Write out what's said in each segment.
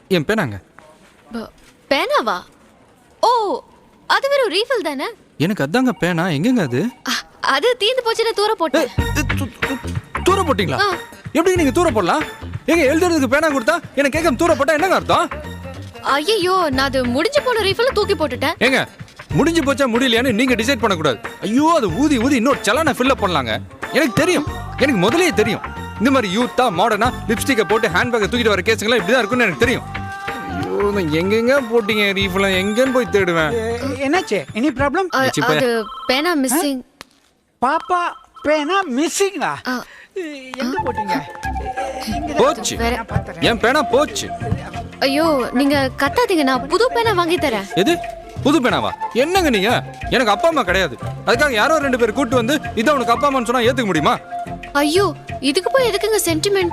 என் பேனாங்க. பேனாவா? ஓ, அது வெறும் ரீஃபில் தானே. எனக்கு அதாங்க பேனா. எங்கங்க அது? அது தீந்து போச்சுன்னு தூர போட்டேன். தூர போட்டீங்களா? எப்படி நீங்க தூர போடலாம்? எங்க எழுதுறதுக்கு பேனா கொடுத்தா எனக்கு கேட்காம தூர போட்டா என்னங்க அர்த்தம்? ஐயோ, நான் அது முடிஞ்சு போன ரீஃபில் தூக்கி போட்டுட்டேன். ஏங்க முடிஞ்சு போச்சா முடியலையான்னு நீங்க டிசைட் பண்ணக்கூடாது. ஐயோ, அது ஊதி ஊதி இன்னொரு சலான ஃபில்அப் பண்ணலாங்க. எனக்கு தெரியும், எனக்கு முதலே தெரியும். இந்த மாதிரி யூத்தா மாடர்னா லிப்ஸ்டிக்கை போட்டு ஹேண்ட்பேக்கை தூக்கிட்டு வர கேஸுங்களாம் இப்படிதான் இருக்குன்னு எனக்கு தெரியும். ஐயோ, எங்கெங்க போட்டீங்க ரீஃபில்? எங்கன்னு போய் தேடுவேன்? என்னாச்சு? Any problem? அது பேனா மிஸ்ஸிங். பாப்பா பேனா மிஸ்ஸிங்கா? எங்க போட்டீங்க? போச்சு. என் பேனா போச்சு. ஐயோ, நீங்க கத்தாதீங்க, நான் புது பேனா வாங்கி தரேன். எது புது பேனாவா? என்னங்க நீங்க? எனக்கு அப்பா அம்மா கிடையாது. அதுக்காக யாரோ 2 பேர் கூட்டு வந்து இதை உனக்கு அப்பா அம்மான்னு சொன்னா ஏத்துக்க முடியுமா? ஐயோ, இதுக்கு போய் எதுக்குங்க சென்டிமெண்ட்?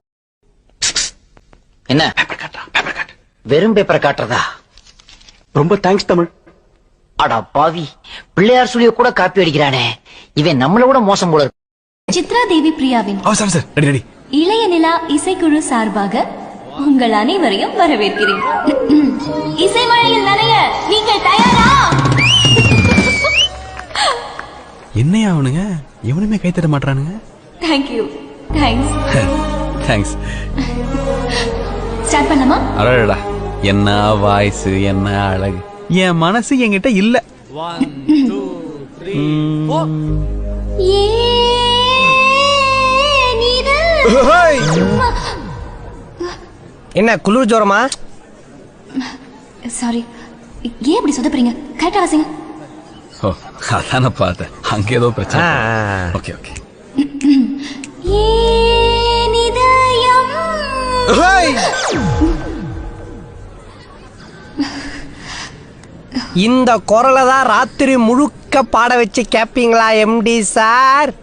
என்ன வெறும் பேப்பர் காட்டுறதா? ரொம்ப தேங்க்ஸ் தமிழ். அடா பாவி, பிள்ளையார் சுழிய கூட காப்பி அடிக்கிறானே, இவன் நம்மள விட மோசம் போல இருக்கு. சித்ரா தேவி பிரியாவின் ரெடி இளைய நிலா இசைக்குழு சார்பாக உங்கள் அனைவரையும் வரவேற்கிறேன். இசை மழையில் நனைய நீங்கள் தயாரா? என்னையா அவனுங்க எவனுமே கை தட்ட மாட்டானுங்க. தேங்க்யூ. தேங்க்ஸ். தேங்க்ஸ். ஸ்டார்ட் பண்ணலாமா? அடடா, என்ன வாய்ஸ், என்ன அழகு. என் மனசு என்கிட்ட இல்ல. என்ன குளிர் ஜோரமா? சாரி, ஏன் இப்படி சொதப்புறீங்க? கரெக்டா வாசிங்க. ஓ, அதான பார்த்தேன். அங்க ஏதோ பிரச்சனை. Okay okay. இந்த குரலை தான் ராத்திரி முழுக்க பாட வச்சு கேப்பீங்களா எம்டி சார்?